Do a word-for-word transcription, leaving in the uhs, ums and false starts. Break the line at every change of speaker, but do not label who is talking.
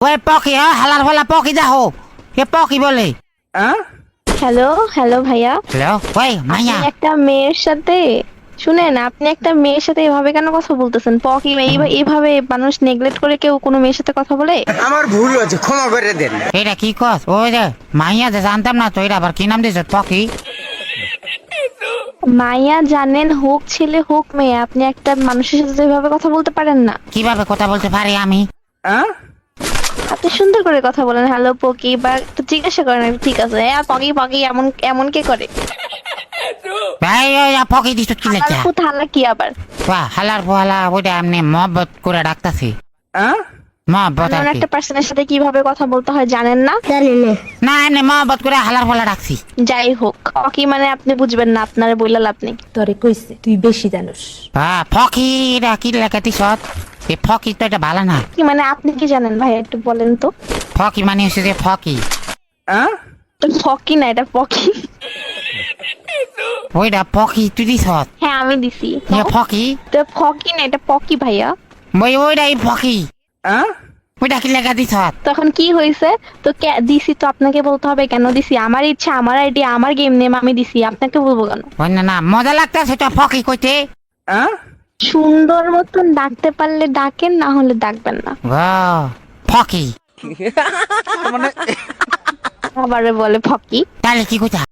ওই পকি হ্যাঁ হালার ফালা পকি দেখো কে পকি বলে
হ্যালো হ্যালো ভাইয়া,
হ্যালো ওই মাইয়া
আপনি একটা মেয়ের সাথে শুনেন, আপনি একটা মেয়ের সাথে এভাবে কেন কথা বলতেছেন? পকি এই- এইভাবে মানুষ নেগলেক্ট করে কেউ কোনো মেয়ের সাথে কথা বলে?
আমার ভুল হয়েছে, ক্ষমা করে দেন।
এটা কি কস ওই যে মাইয়া যে জানতাম না তো এটা আবার কি নাম দিয়েছ পকি
মাইয়া জানেন হোক ছেলে হোক মেয়ে, আপনি একটা মানুষের সাথে এভাবে কথা বলতে পারেন না।
কিভাবে কথা বলতে পারি আমি
আপনি সুন্দর করে কথা বলেন, হ্যালো পকি, বা একটু জিজ্ঞাসা করেন ঠিক আছে হ্যাঁ পকি পকি, এমন এমন কে করে?
ভাই ওই পকি দিছ কি লেখা
হালার পুত হালা কি আবার?
বাহ হালার ফালা ওইটা এমনি মহব্বত করে ডাকতাছি মহব্বত আর
এমন
কি
একটা পার্সনের সাথে কিভাবে কথা বলতে হয় জানেন না?
না এমনি মহব্বত করে হালার ফালা ডাকছি
যাই হোক, পকি মানে আপনি বুঝবেন না, আপনার বইলা লাভ নেই।
তরে কইছে তুই বেশি জানোস।
বাহ ফকি এটা কি লেখা দিছ এই ফকি তো এটা ভালো না
কি মানে আপনি কি জানেন ভাই, একটু বলেন তো।
ফকি মানে হচ্ছে যে ফকি
তো ফকি না, এটা পকি।
ওইটা পকি তুই দিছ
হ্যাঁ আমি দিছি।
ফকি
তো ফকি না, এটা পকি ভাইয়া।
ওই ওইটাই ফকি ওইটা কি লেখা দিছ
তখন কি হয়েছে? তো কে- দিছি তো আপনাকে বলতে হবে কেন দিছি? আমার ইচ্ছা, আমার আইডিয়া, আমার গেম নেম, আমি দিছি, আপনাকে বলবো কেন?
ওই না না মজা লাগতেছে তো ফকি কইতে
সুন্দর মতন ডাকতে পারলে ডাকেন, না হলে ডাকবেন না।
বাহ ফকি
আবারে বলে ফকি।
তাহলে কি কইতা